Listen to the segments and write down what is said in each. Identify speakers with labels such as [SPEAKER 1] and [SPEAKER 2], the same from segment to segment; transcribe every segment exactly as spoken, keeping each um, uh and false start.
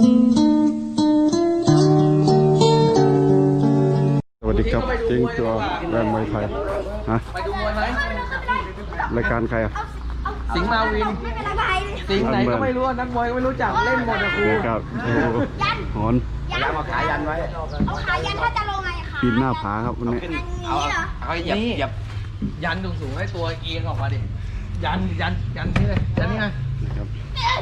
[SPEAKER 1] สวัสดีครับทิ้งตัวแรงมวยไทยฮะ
[SPEAKER 2] ไปดูมวยไหม
[SPEAKER 1] รายการใครอ่ะ
[SPEAKER 2] สิงห์มาวิน สิงห์ไหนก็ไม่รู้นักมวยก็ไม่รู้จักเล่นหมดนะครู
[SPEAKER 1] นะครับโอ้หอน
[SPEAKER 2] แล้วมาขายันไว้
[SPEAKER 3] เอาขายันถ้าจะลงไงคะ
[SPEAKER 1] ปีนหน้าผาครับวันนี้
[SPEAKER 2] เอาเอาเหยียบเหยียบยันสูงสูงให้ตัวเอียงออกมาดิยันยันยันนี่เลยยันนี่ไง
[SPEAKER 1] นะครับ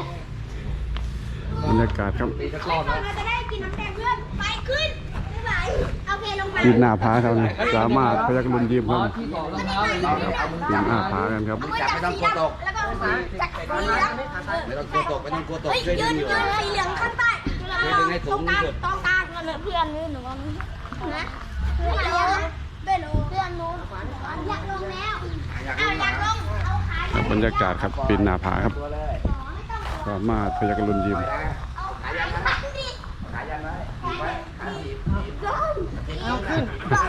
[SPEAKER 1] บรรยากาศครับ
[SPEAKER 2] ตีสักรอบนะ
[SPEAKER 3] เราจะได้กินน้ำแดงเพื่อนไปขึ้นไม่ไหวเอาเพลลงไป
[SPEAKER 1] ปีนหน้าผาครับนี่สามารถพยักรุนยิมครับ
[SPEAKER 2] ที่ต่อรองเท้าเลย
[SPEAKER 1] ครับปีนหน้าผากันครับ
[SPEAKER 3] จับไม่ต้องกลัวตกแล้วก็จับสีเหลือง
[SPEAKER 4] ไม่ต้องกลัวตกไม่ต้องกลัวตก
[SPEAKER 3] เฮ้ย
[SPEAKER 4] ช่วย
[SPEAKER 3] ยื
[SPEAKER 4] ดึ
[SPEAKER 3] น
[SPEAKER 4] งอยู่
[SPEAKER 3] ยืนสีเหลืองข้างใต้ตรงกลางตรงกลางนั่นแหละเพื่อนนี่หนูนะเพื่อนลงเพื่อนลงเพื่อนลงอยากลงแล้วเอาอยากลงเอาขา
[SPEAKER 1] ครับบรรยากาศครับปีนหน้าผาครับสามารถพยักรุนยิม
[SPEAKER 4] ขายันไว้ไว้ขาถีบ
[SPEAKER 3] เอาขึ้น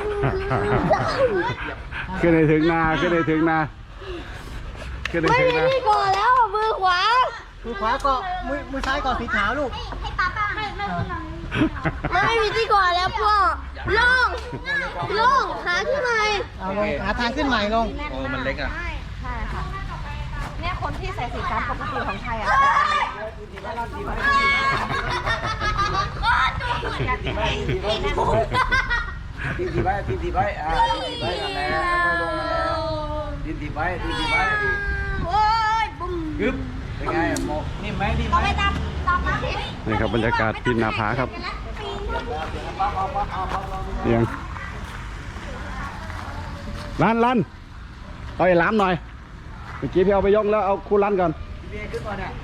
[SPEAKER 1] ขึ้นในถึงนาขึ้นในถึงนาขึ้นใน
[SPEAKER 3] ไม่
[SPEAKER 1] ถึง
[SPEAKER 3] มี
[SPEAKER 1] นา
[SPEAKER 3] ที่ก่อแล้วมือขวา
[SPEAKER 5] มือขวาเกาะมือมือซ้ายเกาะสีขาวลูก
[SPEAKER 3] ให้ป้าป้าให้ไม่ไม่มีที่ก่อแล้วพ่อลงลงขาขึ้นมา
[SPEAKER 5] เอาลงหาทางขึ้นใหม่ลง
[SPEAKER 2] โอ้มันเล็กอ่ะ
[SPEAKER 6] ใช่ค่ะ เนี่ยคนที่ใส่สีฟ้าปกติของไทยอ่ะ
[SPEAKER 4] ทีทีไว้ทีทีไว้อ่าทีทีไว้นั่นแหละค่อยลงมาแล้วทีทีไว้ทีทีไว้
[SPEAKER 3] โอ้ยบุ้ม
[SPEAKER 4] กึ๊บเป็นไงโมนิ่มไหมนิ่มไห
[SPEAKER 3] ต่อ
[SPEAKER 4] ม
[SPEAKER 3] ไปตามตามมา
[SPEAKER 1] นี่ครับบรรยากาศปีนหน้าผาครับเอียงลันลันเอาไอ้ล้ามหน่อยเมื่อกี้พี่เอาไปยกแล้วเอาคู่ลันก่อน
[SPEAKER 4] พี่ขึ้นมาเนี่ย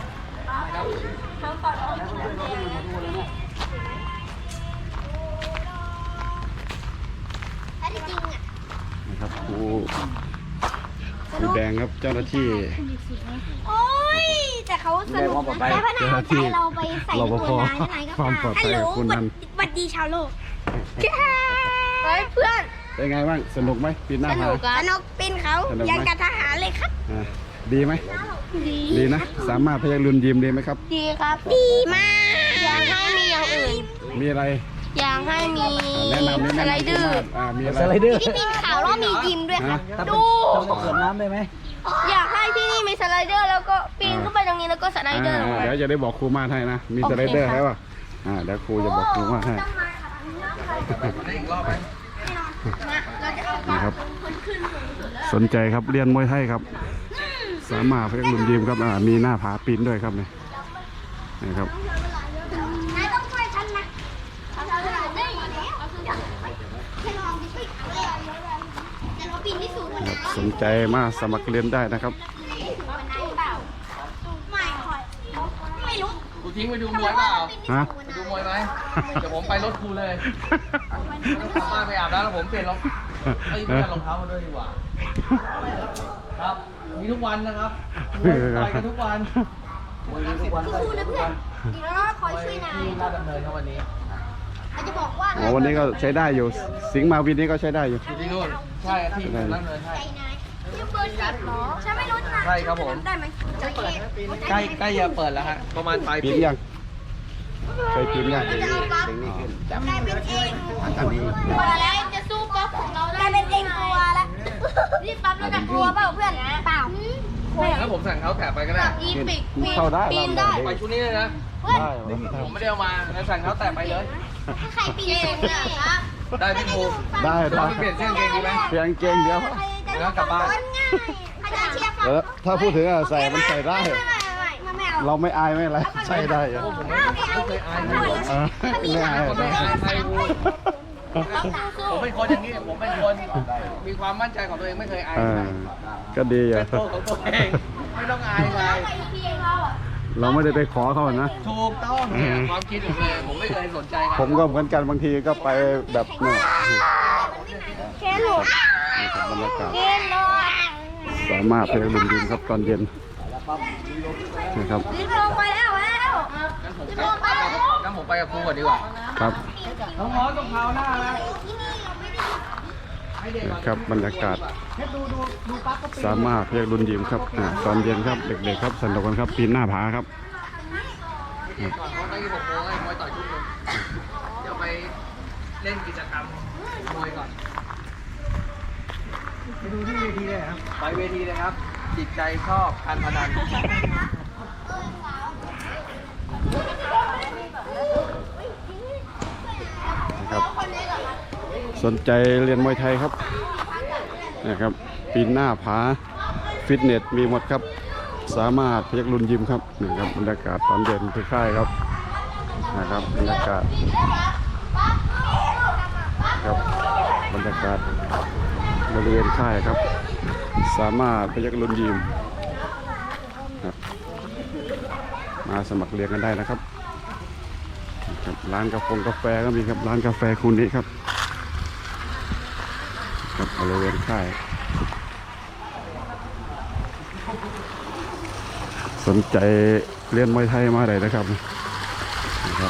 [SPEAKER 3] ถ้าที่จริงอ่ะ
[SPEAKER 1] นะครับครูครูแดงครับเจ้าหน้าที่
[SPEAKER 3] โอ้ยแต่เขาสนุกนะแต่พนักงานใจเราไปใส่
[SPEAKER 1] รปภ
[SPEAKER 3] ตัวนั้นไหนก็
[SPEAKER 1] ความปลอดภัยของคุณนั้น
[SPEAKER 3] สวัสดีชาวโลกเฮ้ยเพื่อน
[SPEAKER 1] เป็นไงบ้างสนุกไหมปีนหน้าผา
[SPEAKER 3] สนุกปีนเขา
[SPEAKER 1] สนุกไหม
[SPEAKER 3] ยังกับทหารเลยครับ
[SPEAKER 1] อ่าดีไหม
[SPEAKER 3] ดี
[SPEAKER 1] ดีนะสามารถพยักรุนยิมดีไหมครับ
[SPEAKER 3] ดีครับดีมากอยากให้มีอย่างอื่น
[SPEAKER 1] มีอะไร
[SPEAKER 3] อยากให้มี
[SPEAKER 1] แนะนำนิด
[SPEAKER 3] ส
[SPEAKER 1] นึง
[SPEAKER 3] ไลเดอร์
[SPEAKER 1] อ่ามีอะไร
[SPEAKER 5] สไลเดอร์
[SPEAKER 3] ที่ปีนเขาแล้วมียิมด้วยครับ
[SPEAKER 1] ฮะ
[SPEAKER 3] ดู
[SPEAKER 5] ต้องเกิดน้ำได้ไหม
[SPEAKER 3] อยากให้ที่นี่มีสไลเดอร์แล้วก็ปีนขึ้นไปตรงนี้แล้วก็สไลเดอร์ลง
[SPEAKER 1] อ่า
[SPEAKER 3] ไป
[SPEAKER 1] เดี๋ยวจะได้บอกครูมาดให้นะมี
[SPEAKER 3] โอ
[SPEAKER 1] ส
[SPEAKER 3] เค
[SPEAKER 1] ไลเดอร์
[SPEAKER 3] ค่ะ
[SPEAKER 1] ให้ป่ะอ่าเดี๋ยวครูจะบอกครูมาดให้
[SPEAKER 2] อีกรอบไหม
[SPEAKER 1] นี่ครับสนใจครับเรียนมวยไทยครับ สามารถพยักรุนยิมครับอ่ามีหน้าผาปีนด้วยครับนี่นี่ครับ
[SPEAKER 3] นายต้องช่วยฉันนะเอาสไลเดอร์อยู่แล้วแค่ลองดิแต่เราปีนที่สูงกว่า
[SPEAKER 1] ครั
[SPEAKER 3] นั้
[SPEAKER 1] บ
[SPEAKER 3] น
[SPEAKER 1] สนใจมาสมัครเรียนได้นะครับ
[SPEAKER 3] ไม่ค่อยไม่รู้
[SPEAKER 2] กูทิ้งไปดูมวยเปล่า
[SPEAKER 1] ฮะ
[SPEAKER 2] ไปดูมวยไหมเดี๋ยวผมไปรถครูเลยกลับบ้านไปอาบน้ำแล้วผมเปลี่ยนรองเอ้ยไม่ใช่รองเท้ามาด้วยดีกว่า ครับ มีทุกวันนะครับมวยต่อยกันทุกวันมวยทุกวัน
[SPEAKER 3] สู้ๆนะเพื่อนดีแล้วคอยช่วยนาย
[SPEAKER 2] ที่ราชดำเนินครับวันนี้
[SPEAKER 3] เราจะบอกว่า
[SPEAKER 1] อ๋อวันนี้ก็ใช้ได้อยู่ สิงห์มาวินนี้ก็ใช้ได้อยู่
[SPEAKER 2] อยู่ที่นู่นใช่ที่ราชดำเนินใช่
[SPEAKER 3] ใจนายยูเบอร์สิบเหรอฉันไม่รู้นะ
[SPEAKER 2] ใช่ครับผม
[SPEAKER 3] ได้ไหมจะเปิด
[SPEAKER 2] ใกล้ใกล้จะเปิดแล้วฮะประมาณปลาย
[SPEAKER 1] ปี
[SPEAKER 2] ปี
[SPEAKER 1] นยังเคยปีนยัง
[SPEAKER 3] จะเอาปั๊บได้เป็นเองพอแล้วจะสู้ปั๊บของเราได้เป็นเองกลัวแล้วนี่ปั๊บแล้วจะกลัวเปล่าเพื่อนเปล่า
[SPEAKER 2] แล้วผมสั่งเขาแถบไปก็ได้
[SPEAKER 3] อีปิก
[SPEAKER 1] เข้าได้
[SPEAKER 3] ปีนได้
[SPEAKER 2] ไปชุดนี้เลยนะ
[SPEAKER 3] เพื่อน
[SPEAKER 1] ได้เหรอ
[SPEAKER 2] ผมไม่ได้เอามาแล้วสั่งเขาแตะไปเลย
[SPEAKER 3] ถ้าใครปีนเองเนี่ยครับ
[SPEAKER 2] ได้พี่ภูมิ
[SPEAKER 1] ได้ได้
[SPEAKER 2] เปลี่ยนเส้นเกงดีไหม
[SPEAKER 1] เพียงเกงเดียว
[SPEAKER 2] แล้วกลับบ้าน
[SPEAKER 3] ง่ายใครจะเชียร์
[SPEAKER 1] แล้วถ้าพูดถึงอะใส่มันใส่ได้
[SPEAKER 3] ไม่ไม่ไม่ไม่เอา
[SPEAKER 1] เราไม่อายไม่อะไรใส่ได้อะ
[SPEAKER 2] ผมไม่เคยอายเลย
[SPEAKER 1] เออไม่อาย
[SPEAKER 2] ผมไม่อายใครภูมิผมเป็นคนอย่างนี้ ผมเป็นคนมีความมั่นใจของตัวเองไม่เคยอาย
[SPEAKER 1] เอ
[SPEAKER 2] ใคร
[SPEAKER 1] อก็ดีอ่ะ
[SPEAKER 2] เป็นตัวของตัวเองไม่ต้องอายใคร
[SPEAKER 1] เราไม่ได้ไปขอเขานะ
[SPEAKER 2] ถูกต้องเนี่ยความคิดผมเลยผมไม่เคยสนใจใคร
[SPEAKER 1] ผมก็เหมือนกันบางทีก็ไปแบบเนี่ย
[SPEAKER 3] เคนหลุด
[SPEAKER 1] นี่ครับบรรยากาศ
[SPEAKER 3] เคนหลุด
[SPEAKER 1] สามารถไปลุมดินครับตอนเย็นนะครับ
[SPEAKER 3] ลิ้นลงไปแล้วแล้ว
[SPEAKER 2] งั้นผมไปงั้นผมไปกับครูก่อนดีกว่า
[SPEAKER 1] ครับ
[SPEAKER 2] น้องมอสต้องพาวหน้าแล้วให้เด็กก่อน
[SPEAKER 1] ครับบรรยากาศสามารถเรียกรุนยิมครับอ่าตอนเย็นครับเด็กๆครับสนุกกันครับปีนหน้าผาครับ
[SPEAKER 2] ก่อนเพราะตั้งยี่หกโมงไอ้มวยต่อยทุ่มนึงเดี๋ยวไปเล่นกิจกรรมมวยก่อน
[SPEAKER 5] ไปดูที่เวทีเลยครับ
[SPEAKER 2] ไปเวทีเลยครับ จิตใจชอบการพนัน
[SPEAKER 1] นะครับสนใจเรียนมวยไทยครับนะครับปีนหน้าผาฟิตเนสมีหมดครับสามารถพยักรุนยิมครับนี่ครับบรรยากาศตอนเย็นที่ค่ายครับนะครับบรรยากาศครับบรรยากาศบริเวณค่ายครับสามารถพยักรุนยิมครับมาสมัครเรียนกันได้นะครับครับร้านกาแฟกาแฟก็มีครับร้านกาแฟคุณนี้ครับครับบริเวณค่ายสนใจเรียนมวยไทยมาได้นะครับนะครับ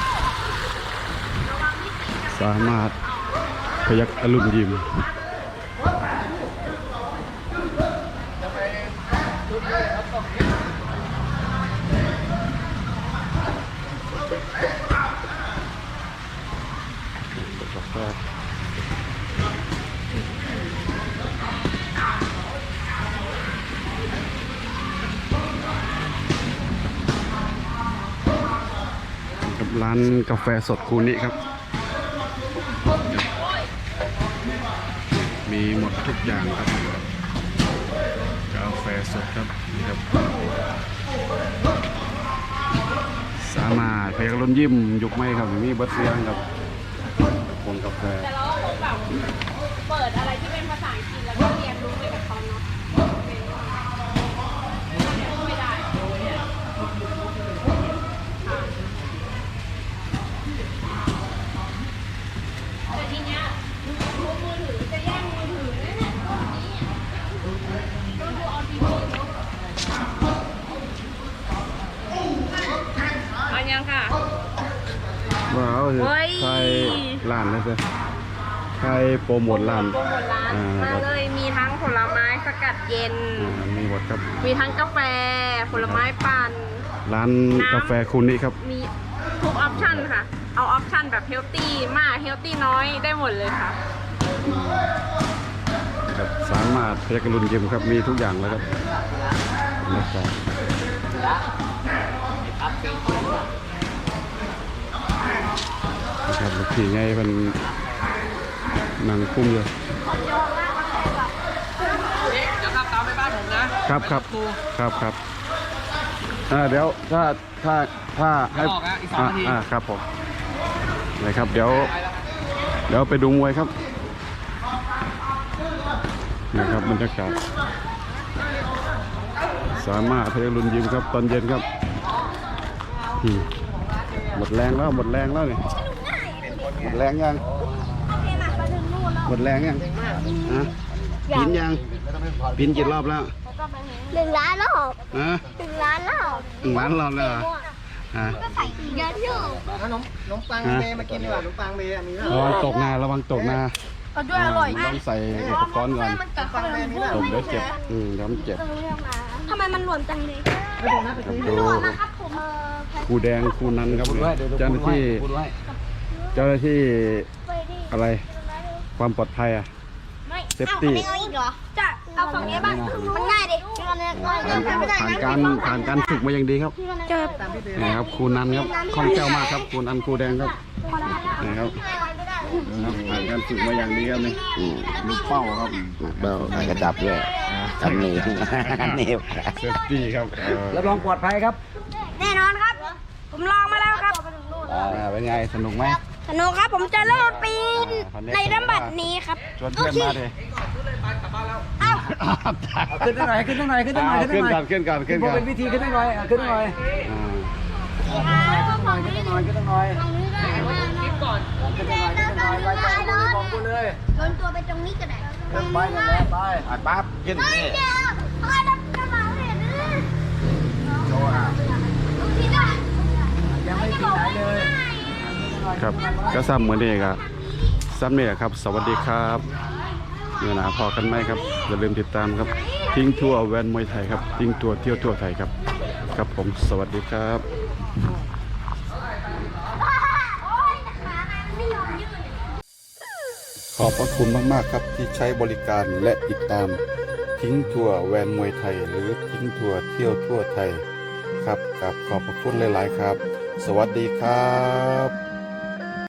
[SPEAKER 1] สามารถพยักอรุณยิมร้านกาแฟสดคูนิครับมีหมดทุกอย่างครับกาแฟสดครับนี่ครับสามารถไปกระล้นยิ้มยุกไม่ครับมีเบิร์ดเซียงครับคนกาแฟ
[SPEAKER 6] แต่เราคงแบบเปิดอะไรที่เป็นภาษาอังกฤษแล้วก็เรียนรู้ไปกับเขาเนาะไม่ได้แต่ทีเนี้ยมือถือจะแย่งมือถือเนี่ยพวกนี้ดูดูเอาทีวีเอายังค่ะ
[SPEAKER 1] ว้าว
[SPEAKER 6] เฮ้ย
[SPEAKER 1] ใครร้านนะจ๊ะใครโปรโมทร้าน
[SPEAKER 6] โปรโมทร้าน
[SPEAKER 1] อ่า
[SPEAKER 6] มา
[SPEAKER 1] ครับ
[SPEAKER 6] เลยมีทั้งผลไม้สกัดเย็น
[SPEAKER 1] อ่ามีหมดครับ
[SPEAKER 6] มีทั้งกาแฟผลไม้ปั่น
[SPEAKER 1] ร้านกาแฟคูนิครับ
[SPEAKER 6] มีทุกออปชั่นค่ะ เอาออปชั่นแบบเฮลตี้มากเฮลตี้น้อยได้หมดเลยค่ะ
[SPEAKER 1] ครับสามารถพยักรุนยิมครับมีทุกอย่างแล้วครับนะครับนะครับลูกพี่ไงเป็นนางคุ้มเลย
[SPEAKER 2] เดี๋ยวขับตามไปบ้านผมนะครับ
[SPEAKER 1] ครับครับครับอ่าเดี๋ยวถ้าถ้าถ้าให้
[SPEAKER 2] ออกนะอีกสองนาที
[SPEAKER 1] อ่าครับผมนะครับเดี๋ยวเดี๋ยวไปดูมวยครับนะครับบรรยากาศสามารถพยักรุนยิมครับตอนเย็นครับอืมหมดแรงแล้วหมดแรงแล้วนี่หมดแรงยังหมดแรงยังฮะปีนยังปีนกี่รอบแล้ว
[SPEAKER 3] หนึ่งล้านรอบ
[SPEAKER 1] ฮะ
[SPEAKER 3] หนึ่งล้านรอบ
[SPEAKER 1] หนึ่งล้านรอบแล้วเหรอฮะ
[SPEAKER 3] ก็ใส่เยอะอยู่
[SPEAKER 5] ขนมขนมปังเมย์มากินดีกว่าขนมปังเมย์อะมีไหม
[SPEAKER 1] ระวังตกนาระวังตกนา
[SPEAKER 6] เอาด้วยอร่อย
[SPEAKER 1] ต้องใส่อุปกรณ์ก่อน
[SPEAKER 6] กับขนมพวก
[SPEAKER 1] ตกเดี๋ยวเจ็บอืมเดี๋ยวมันเจ็บ
[SPEAKER 3] ทำไมมันหลวมจังเลย
[SPEAKER 5] ไปดูนะไป
[SPEAKER 1] ครับ
[SPEAKER 5] ซื้อ
[SPEAKER 1] ดู
[SPEAKER 3] นะครับผมเออ
[SPEAKER 1] ครูแดงครูนันครับ
[SPEAKER 4] พูดไว้เดี๋ยว
[SPEAKER 1] เจ้าหน้าที่
[SPEAKER 4] พูดไว้
[SPEAKER 1] เจ้าหน้าที่
[SPEAKER 3] ไปดิ
[SPEAKER 1] อะไรความปลอดภัยอ่ะ
[SPEAKER 3] ไม่
[SPEAKER 1] เซฟตี้
[SPEAKER 3] เอาอีกเหรอจะเอาฝั่งนี้บ้างมันง่ายดิเอาเนี่ยง่ายไม่ได้
[SPEAKER 1] ผ่าน
[SPEAKER 3] นะ
[SPEAKER 1] การผ่านการฝึกมาอย่างดีครับ
[SPEAKER 3] เจอ
[SPEAKER 1] นี่ครับครูนันครับคล่องแคล่วมากครับครูนันครูแดงครับนี่ครับนะครับผ่านการฝึกมาอย่างดีครับนี่ลูกเป้าครับ
[SPEAKER 4] เบลกระดับด้วยทำนี่นี่
[SPEAKER 1] เซฟตี้ครับเออ
[SPEAKER 4] รับรองปลอดภัยครับ
[SPEAKER 3] แน่นอนครับ ผมลองมาแล้วครับ
[SPEAKER 1] อ่าเป็นไงสนุกไหม
[SPEAKER 3] สนุกครับผมจะเริ่มปีนในลำบัดนี้ครับ
[SPEAKER 1] ชวนเพื่อนมาดิ
[SPEAKER 3] เอ้า
[SPEAKER 4] ขึ้นได้หน่อยขึ้นได้หน่อยขึ้นได้หน่อย
[SPEAKER 1] อ่าขึ้นก่อนขึ้นก่อนขึ้นก่อน
[SPEAKER 4] เป็นวิธีขึ้นได้หน่อยขึ้นได้หน่อย
[SPEAKER 1] อ่า
[SPEAKER 3] ฝั่งนี้
[SPEAKER 4] ขึ้นได้หน่อยขึ้นได้หน่อย
[SPEAKER 3] ฝั่งนี้ได้ไหม
[SPEAKER 2] ก่อน
[SPEAKER 4] ขึ้นได้หน่อยขึ้นได้หน่อยไปไปบอกกูเลย
[SPEAKER 3] โดนตัวไปตรงนี้ก็ได้
[SPEAKER 4] เดินไปนั่นแหละไปอ่ะปั๊บขึ้น
[SPEAKER 3] เฮ้ย
[SPEAKER 4] นี่
[SPEAKER 3] เดี๋ยวเอาดับกระเป๋าเนี่ยนะ
[SPEAKER 4] โชว์อ่ะ
[SPEAKER 3] พี่ได้
[SPEAKER 4] ยังไม่ถึงไหนเลย
[SPEAKER 1] ครับก็ซ้ำเหมือนเดิมครับซ้ำเนี่ยครับ สวัสดีครับเนื้อหนาพอกันไหมครับอย่าลืมติดตามครับทิ้งทั่วแวนมวยไทยครับทิ้งตัวเที่ยวทั่วไทยครับครับผมสวัสดีครับขอบพระคุณมากๆครับที่ใช้บริการและติดตามทิ้งทัวร์แวนมวยไทยหรือทิ้งทัวร์เที่ยวทั่วไทยครับกับขอบพระคุณหลายๆครับ สวัสดีครับ